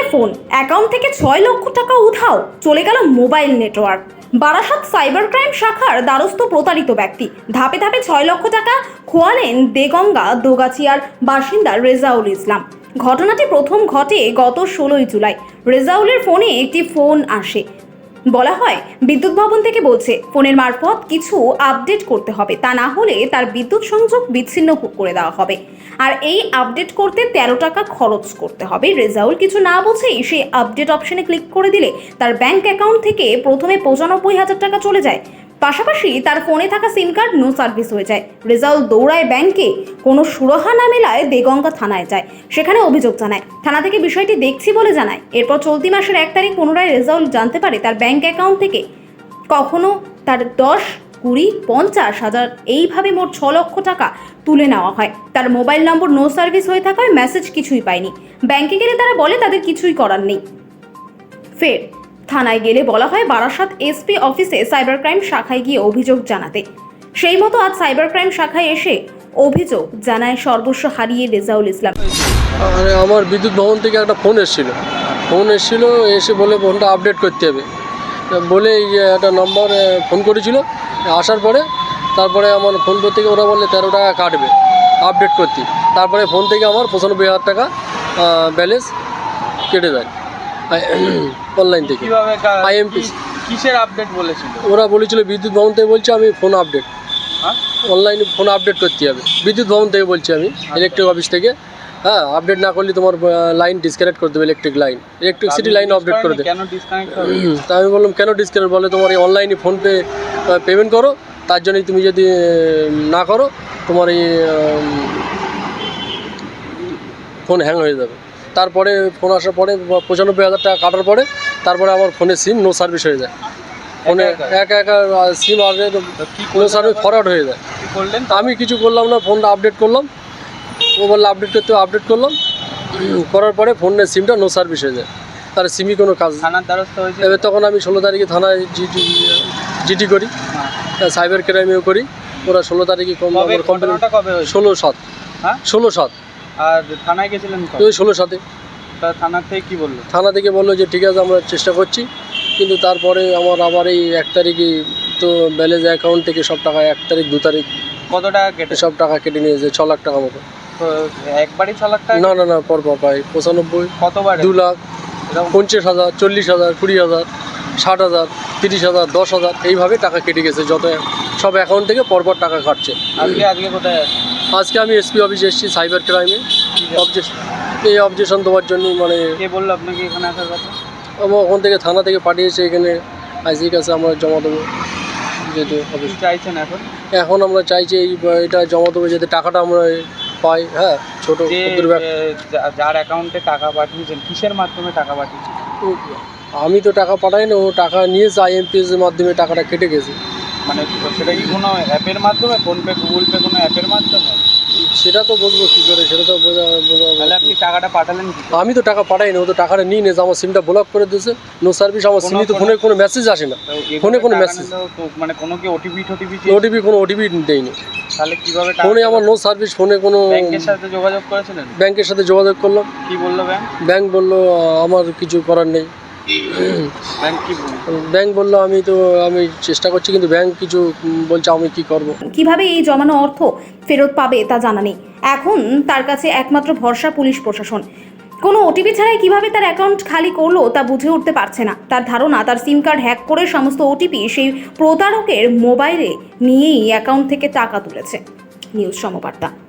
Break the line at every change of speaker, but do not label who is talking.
Phone, account থেকে 6 লক্ষ টাকা উধাও, চলে গেল mobile network. Barasat cyber crime শাখার দ্বারস্থ প্রতারিত ব্যক্তি, ধাপে ধাপে 6 লক্ষ টাকা খোয়ালেন দেগঙ্গা দোগাছিয়ার বাসিন্দা রেজাউল ইসলাম। ঘটনাটি প্রথম ঘটে গত 16ই জুলাই। রেজাউলের ফোনে একটি ফোন আসে। বলা হয় বিদ্যুৎ ভবন থেকে বলছে ফোনের মারফত কিছু আপডেট করতে হবে, তা না হলে তার বিদ্যুৎ সংযোগ বিচ্ছিন্ন করে দেওয়া হবে। আর এই আপডেট করতে 13 টাকা খরচ করতে হবে। রেজাউল কিছু না বুঝেই সেই আপডেট অপশনে ক্লিক করে দিলে তার ব্যাংক অ্যাকাউন্ট থেকে প্রথমে 95,000 টাকা চলে যায়। পাশাপাশি তার ফোনে থাকা সিম কার্ড নো সার্ভিস হয়ে যায়। রেজাউল দৌড়ায় ব্যাংকে, কোনো সুরাহা না মেলায় দেগঙ্গা থানায় যায়, সেখানে অভিযোগ জানায়। থানা থেকে বিষয়টি দেখছি বলে জানায়। এরপর চলতি মাসের 1 তারিখ পুনরায় রেজাউল জানতে পারে তার ব্যাংক অ্যাকাউন্ট থেকে কখনো তার 10, 20, 50,000 এইভাবে মোট 6 লক্ষ টাকা তুলে নেওয়া হয়। তার মোবাইল নম্বর নো সার্ভিস হয়ে থাকায় মেসেজ কিছুই পায়নি। ব্যাংকে গেলে তারা বলে তাদের কিছুই করার নেই। ফের থানায় গেলে বলা হয় বারাসাত এসপি অফিসে সাইবার ক্রাইম শাখায় গিয়ে অভিযোগ জানাতে। সেই মতো আজ সাইবার ক্রাইম শাখায় এসে অভিযোগ জানায় সর্বস্ব হারিয়ে রেজাউল ইসলাম।
আরে আমার বিদ্যুৎ ভবন থেকে একটা ফোন এসেছিল, এসে বলে ফোনটা আপডেট করতে হবে বলে একটা নম্বর ফোন করেছিল। আসার পরে তারপরে আমার ফোন থেকে ওরা বললে 13 টাকা কাটবে আপডেট করতে। তারপরে ফোন থেকে আমার 95,000 টাকা ব্যালেন্স কেটে দেয় অনলাইন থেকে। আইএমপি
কিসের আপডেট বলেছিল?
ওরা বলেছিল বিদ্যুৎ ভবন থেকে বলছে আমি ফোন আপডেট, অনলাইনে ফোন আপডেট করতে হবে। বিদ্যুৎ ভবন থেকে বলছি আমি, ইলেকট্রিক অফিস থেকে। হ্যাঁ, আপডেট না করলে তোমার লাইন ডিসকানেক্ট করে দেবে, ইলেকট্রিসিটি লাইন আপডেট করে দেবে।
কেন ডিসকানেক্ট হবে?
তা আমি বললাম কেন ডিসকানেক্ট? বলে তোমার এই অনলাইনে ফোনপে পেমেন্ট করো, তার জন্যই তুমি যদি না করো তোমার এই ফোন হ্যাং হয়ে যাবে। তারপরে ফোন আসার পরে 95,000 টাকা কাটার পরে তারপরে আমার ফোনের সিম নো সার্ভিস হয়ে যায়। ফোনে একা সিম আর নো সার্ভিস ফরওয়ার্ড হয়ে যায়। আমি কিছু করলাম না, ফোনটা আপডেট করলাম। ও বললে আপডেট করতে আপডেট করলাম, করার পরে ফোনের সিমটা নো সার্ভিস হয়ে যায়। তার সিমই কোনো কাজ।
থানার দ্বারস্থ হয়েছে।
এবার তখন আমি 16 তারিখে থানায় জিডি করি, সাইবার ক্রাইমেও করি। ওরা 16 তারিখে কমপ্লেন। 16/7।
হ্যাঁ,
16/7।
আর থানায় গেছিলেন?
ওই 16/7।
থানা থেকে কি বললো?
থানা থেকে বললো যে ঠিক আছে আমরা চেষ্টা করছি, কিন্তু তারপরে আমার আবার এই 1 তারিখে তো ব্যালেন্স অ্যাকাউন্ট থেকে সব টাকা 1 তারিখ 2 তারিখ
কত টাকা কেটে?
সব টাকা কেটে নিয়েছে 6 লাখ টাকা মতো।
একবারই 6 লাখ টাকা?
না পর পাই 95।
কতবার?
2 লাখ, 50,000, 40,000, 20,000, 60,000, 30,000, 10,000 এইভাবে টাকা কেটে গেছে। যত সব অ্যাকাউন্ট থেকে পরপর টাকা কাটছে।
আজকে কোথায়?
আজকে আমি এসপি অফিসে এসেছি সাইবার ক্রাইমে। এই অবজেকশন দেওয়ার জন্য। মানে
কে বললো আপনাকে এখানে আসার কথা?
আমার ওখান থেকে থানা থেকে পাঠিয়েছে এখানে, আইসির কাছে আমরা জমা দেবো। যেহেতু অফিস
চাইছেন
এখন আমরা চাইছি এটা জমা দেবো যাতে টাকাটা আমরা পাই। হ্যাঁ, ছোটো
যার অ্যাকাউন্টে টাকা পাঠিয়েছেন কিসের মাধ্যমে টাকা পাঠিয়েছেন?
আমি তো টাকা পাঠাই না, ও টাকা নিয়েছে আইএমপিএস এর মাধ্যমে টাকাটা কেটে গেছে।
মানে সেটা কি কোনো অ্যাপের মাধ্যমে, ফোনপে, গুগল পে, কোনো অ্যাপের মাধ্যমে?
সেটা তো বুঝবো কী করে, সেটা তো
তাহলে আপনি টাকাটা পাঠালেন কি?
আমি তো টাকা পাঠাই না, ও তো টাকাটা নিয়ে নিয়েছে। আমার সিমটা ব্লক করে দিয়েছে, নো সার্ভিস। আমার সিমে তো ফোনে কোনো মেসেজ আসে না, ফোনে কোনো মেসেজ।
মানে কোনো কি ওটিপি
কোনো ওটিপি দেয়নি।
তাহলে কিভাবে?
ফোনে আমার নো সার্ভিস, ফোনে কোনো।
ব্যাংকের সাথে যোগাযোগ করেছিলেন?
ব্যাংকের সাথে যোগাযোগ করলাম।
কি বললো ব্যাংক?
ব্যাংক বললো আমার কিছু করার নেই। ব্যাংক বললো আমি চেষ্টা করছি, কিন্তু ব্যাংক কিছু বলছে। আমি কি করব?
কিভাবে এই জমানো অর্থ ফেরত পাবে তা জানা নেই। এখন তার কাছে একমাত্র ভরসা পুলিশ প্রশাসন। কোনো ওটিপি ছাড়াই কিভাবে তার অ্যাকাউন্ট খালি করলো তা বুঝে উঠতে পারছে না। তার ধারণা তার সিম কার্ড হ্যাক করে সমস্ত ওটিপি সেই প্রতারকের মোবাইলে নিয়েই অ্যাকাউন্ট থেকে টাকা তুলেছে। নিউজ সমবার্তা।